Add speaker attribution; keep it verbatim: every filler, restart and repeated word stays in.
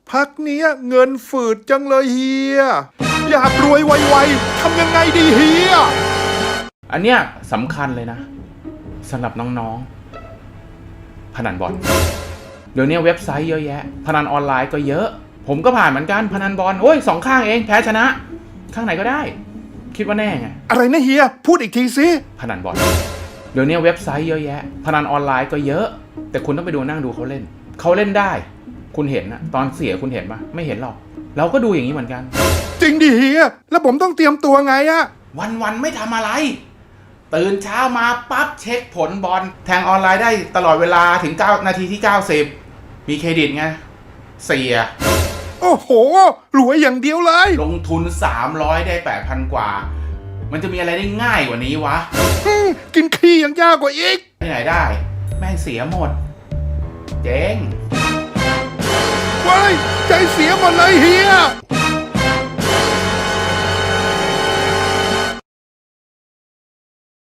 Speaker 1: พักเนี้ยเงินฝืดจังเลยเฮียอยากรวยไวๆทำยังไงดีเฮีย
Speaker 2: อันเนี้ยสำคัญเลยนะสำหรับน้องๆพนันบอลเดี๋ยวนี้เว็บไซต์เยอะแยะพนันออนไลน์ก็เยอะผมก็ผ่านเหมือนกันพนันบอลโอ้ยสองข้างเองแพ้ชนะข้างไหนก็ได้คิดว่าแน่ไง
Speaker 1: อะไรนะเฮียพูดอีกทีสิ
Speaker 2: พนันบอลเดี๋ยวนี้เว็บไซต์เยอะแยะพนันออนไลน์ก็เยอะแต่คุณต้องไปดูนั่งดูเขาเล่นเขาเล่นได้คุณเห็นนะตอนเสียคุณเห็นปะไม่เห็นหรอกเราก็ดูอย่างนี้เหมือนกัน
Speaker 1: จริงดิเฮียแล้วผมต้องเตรียมตัวไงอะ
Speaker 2: วันๆไม่ทำอะไรตื่นเช้ามาปั๊บเช็คผลบอลแทงออนไลน์ได้ตลอดเวลาถึงเก้านาทีที่เก้าสิบมีเครดิตไงเสีย
Speaker 1: โอ้โหรวยอย่างเดียวเลย
Speaker 2: ลงทุนสามร้อยได้ แปดพัน กว่ามันจะมีอะไรได้ง่ายกว่านี้วะ
Speaker 1: กินขี้ยังยากกว่าอีก
Speaker 2: ที่ไหนได้แม่งเสียหมดเจ๊ง
Speaker 1: ว้ายใจเสียหมดเลยเฮีย